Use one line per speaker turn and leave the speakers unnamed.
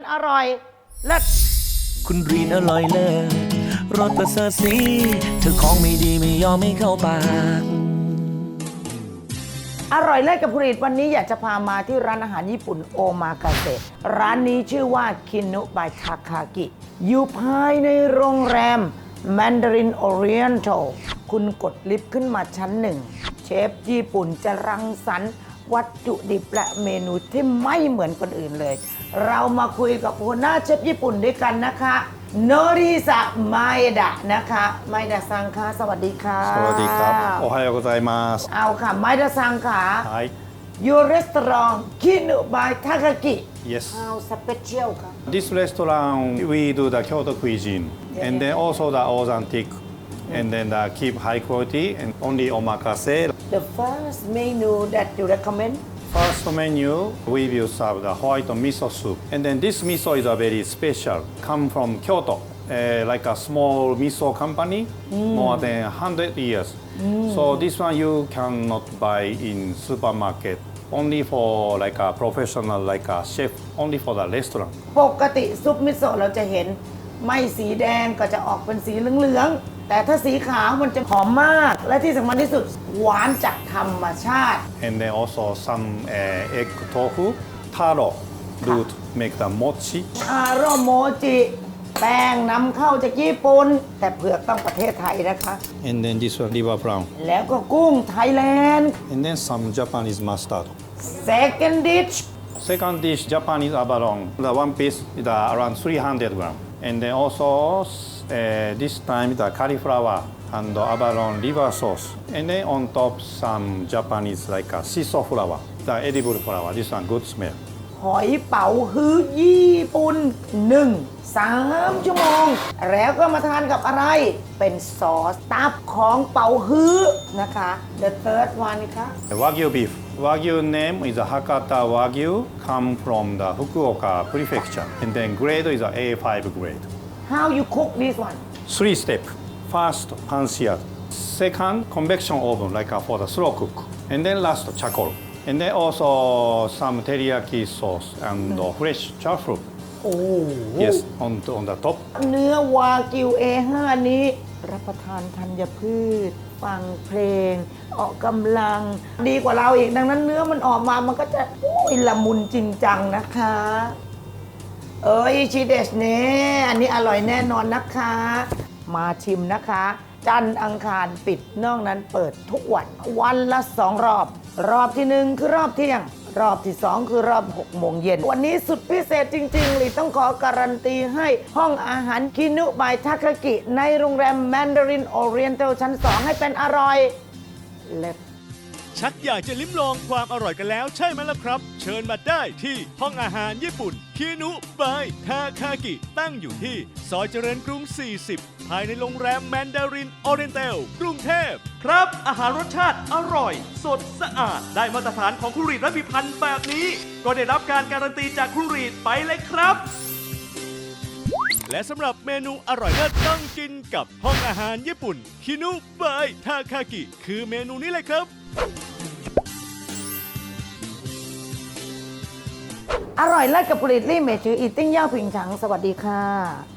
อร่อยเลิศ
คุณรีนอร่อยเลิศรสประเสริฐสีเธอของไม่ดีไม่ยอมไม่เข้าปาก
อร่อยเลิศกับคุณรีดวันนี้อยากจะพามาที่ร้านอาหารญี่ปุ่นโอมากาเสะร้านนี้ชื่อว่าคินุบายทาคากิอยู่ภายในโรงแรม Mandarin Oriental คุณกดลิฟต์ขึ้นมาชั้นหนึ่งเชฟญี่ปุ่นจะรังสรรค์วัตถุดิบและเมนูที่ไม่เหมือนคนอื่นเลยเรามาคุยกับหัวหน้าเชฟญี่ปุ่นด้วยกันนะคะโนริซะไมดะนะคะไมดะซังค่ะสวัสดีค่ะ
สวัสดีครับโอไฮโอโกไซมัส
เอาค่ะไมดะซังค่ะ
Hi
Your restaurant Kinu by Takaki
Yes
How special ค่ะ
This restaurant we do the Kyoto cuisine and then also the authentic and then the keep high quality and only omakase
The first menu that you recommend
First menu, we will serve the white miso soup. And then this miso is a very special, come from Kyoto, like a small miso company, more than 100 years. So this one you cannot buy in supermarket, only for like a professional, like a chef, only for the restaurant.
ปกติซุปมิโซะเราจะเห็นไม่สีแดงก็จะออกเป็นสีเหลืองๆแต่ถ้าสีขาวมันจะหอมมากและที่สำคัญที่สุดหวานจากธรรมชาติ
And then also some egg tofu, taro, do to make the mochi.
ทาโร่โมจิแป้งนำเข้าจากญี่ปุ่นแต่เผือกต้องประเทศไทยนะคะ
And then this one, liver prawn.
แล้วก็กุ้งไทยแลนด์
And then some Japanese mustard.
Second dish
Second dish, Japanese abalone. The one piece is around 300 gram. And then also this time the cauliflower and the abalone liver sauce. And then on top some Japanese like a shiso flower, the edible flower. This one good smell.
หอยเป๋าฮื้อญี่ปุ่น3 ชั่วโมงแล้วก็มาทานกับอะไรเป็นซอสตับของเป๋าฮื้อนะคะ The third one ค่ะ
Wagyu beef. Wagyu name is Hakata Wagyu, come from the Fukuoka prefecture. And then grade is A5 grade.
How you cook this one
3 steps. First, pan seared. Second, convection oven, like for the slow cook. And then last, charcoal. And then also some teriyaki sauce and fresh truffle.
โอ้
Yes, on the top.
เนื้อวากิว A5 นี้รับประทานธัญพืช ฟังเพลง ออกกำลังดีกว่าเราอีกดังนั้นเนื้อมันออกมามันก็จะละมุนจริงจังนะคะชิเดชเน่อันนี้อร่อยแน่นอนนะคะ มาชิมนะคะ จันทร์อังคารปิดนอกนั้นเปิดทุกวันวันละ2 รอบ รอบที่ 1 คือรอบเที่ยง รอบที่ 2 คือรอบ 6 โมงเย็น วันนี้สุดพิเศษจริงๆเลยต้องขอการันตีให้ห้องอาหารคินุบายทาคากิในโรงแรม Mandarin Oriental ชั้น 2 ให้เป็นอร่อยเล็บ
ชักอยากจะลิ้มลองความอร่อยกันแล้วใช่ไหมล่ะครับ เชิญมาได้ที่ห้องอาหารญี่ปุ่นคินุบายทาคากิตั้งอยู่ที่ซอยเจริญกรุง 40 ภายในโรงแรมแมนดารินออเรนเตลกรุงเทพครับอาหารรสชาติอร่อย สดสะอาดได้มาตรฐานของครูรีดและพิพันธ์แบบนี้ ก็ได้รับการการันตีจากครูรีดไปเลยครับและสำหรับเมนูอร่อยเลิศต้องกินกับห้องอาหารญี่ปุ่นคินุบายทาคากิคือเมนูนี้เลยครับ
อร่อยเลิศกับผลิตลี่เมจืออีติ้งย่าผิงฉังสวัสดีค่ะ